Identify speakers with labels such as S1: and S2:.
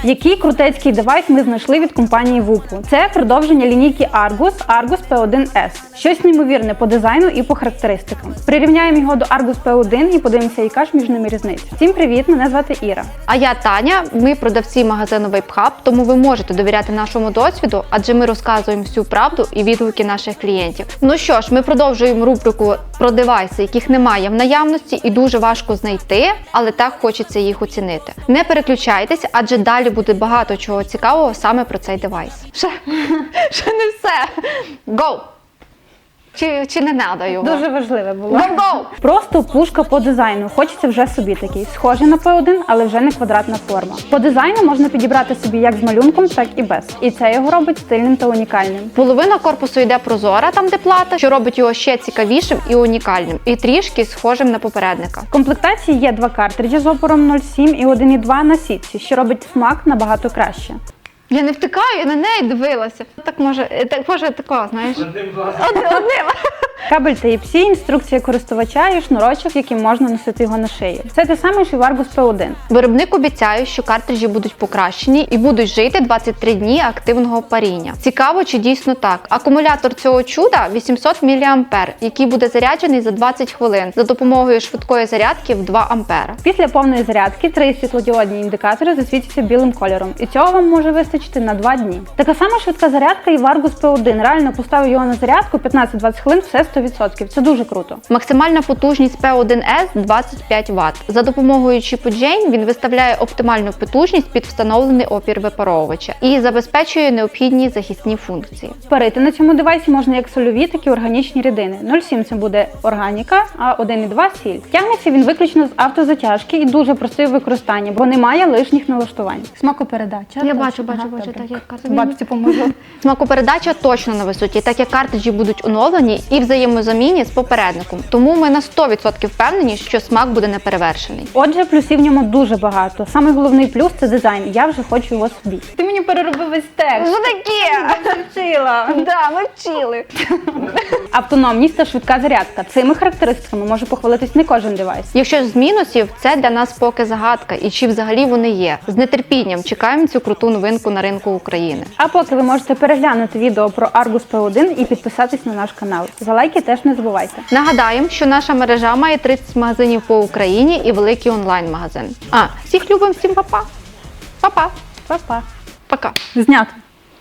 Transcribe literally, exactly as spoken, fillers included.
S1: Який крутецький девайс ми знайшли від компанії вупу? Це продовження лінійки Argus, Argus пі один ес. Щось неймовірне по дизайну і по характеристикам. Прирівняємо його до Argus пі один і подивимося, яка ж між ними різниця. Всім привіт, мене звати Іра.
S2: А я Таня, ми продавці магазину Вейп-Хаб, тому ви можете довіряти нашому досвіду, адже ми розказуємо всю правду і відгуки наших клієнтів. Ну що ж, ми продовжуємо рубрику про девайси, яких немає в наявності і дуже важко знайти, але так хочеться їх оцінити. Не переключайтесь, адже далі буде багато чого цікавого саме про цей девайс. Ще, ще не все. Go! Чи, чи не надо його?
S1: Дуже важливе було.
S2: Go, go!
S1: Просто пушка по дизайну. Хочеться вже собі такий. Схожий на пі один, але вже не квадратна форма. По дизайну можна підібрати собі як з малюнком, так і без. І це його робить стильним та унікальним.
S2: Половина корпусу йде прозора, там де плата, що робить його ще цікавішим і унікальним. І трішки схожим на попередника.
S1: В комплектації є два картриджі з опором нуль сім і один і два на сітці, що робить смак набагато краще.
S2: Я не втикаю, я на неї дивилася. Так може, так може такого, знаєш? Одним Одним. Одним.
S1: Кабель Type-C, інструкція користувача і шнурочок, яким можна носити його на шиї. Все те саме, що й в Argus пі один.
S2: Виробник обіцяє, що картриджі будуть покращені і будуть жити двадцять три дні активного паріння. Цікаво, чи дійсно так. Акумулятор цього чуда вісімсот міліампер, який буде заряджений за двадцять хвилин за допомогою швидкої зарядки в два ампера.
S1: Після повної зарядки три світлодіодні індикатори засвітяться білим кольором, і цього вам може вистачити на два дні. Така сама швидка зарядка і в Argus пі один. Реально поставив його на зарядку п'ятнадцять-двадцять хвилин, все сто відсотків. Це дуже круто.
S2: Максимальна потужність пі один ес двадцять п'ять ватт. За допомогою чіпу Джейн він виставляє оптимальну потужність під встановлений опір випаровувача і забезпечує необхідні захисні функції.
S1: Парити на цьому девайсі можна як сольові, так і органічні рідини. нуль сім це буде органіка, а один і два сіль. Тягнеться він виключно з автозатяжки і дуже простий в використанні, бо немає лишніх налаштувань. Смакопередача.
S2: Я бачу, бачу, бачу, так як картриджі.
S1: Бабці поможу.
S2: Смакопередача точно на висоті, так як картриджі будуть оновлені і взаємозамінні з попередником. Тому ми на сто відсотків впевнені, що смак буде неперевершений.
S1: Отже, плюсів в ньому дуже багато. Самий головний плюс – це дизайн. Я вже хочу його собі. Ти мені переробив весь текст.
S2: Що таке?
S1: Я вчила.
S2: Да, ми вчили.
S1: Автономність та швидка зарядка. Цими характеристиками може похвалитись не кожен девайс.
S2: Якщо з мінусів, це для нас поки загадка. І чи взагалі вони є. З нетерпінням чекаємо цю круту новинку на ринку України.
S1: А поки ви можете переглянути відео про Argus пі один і підписатись на наш канал. За лайки теж не забувайте.
S2: Нагадаємо, що наша мережа має тридцять магазинів по Україні і великий онлайн-магазин. А, всіх любимо, всім па-па. Па-па.
S1: Па-па.
S2: Пока.
S1: Знято.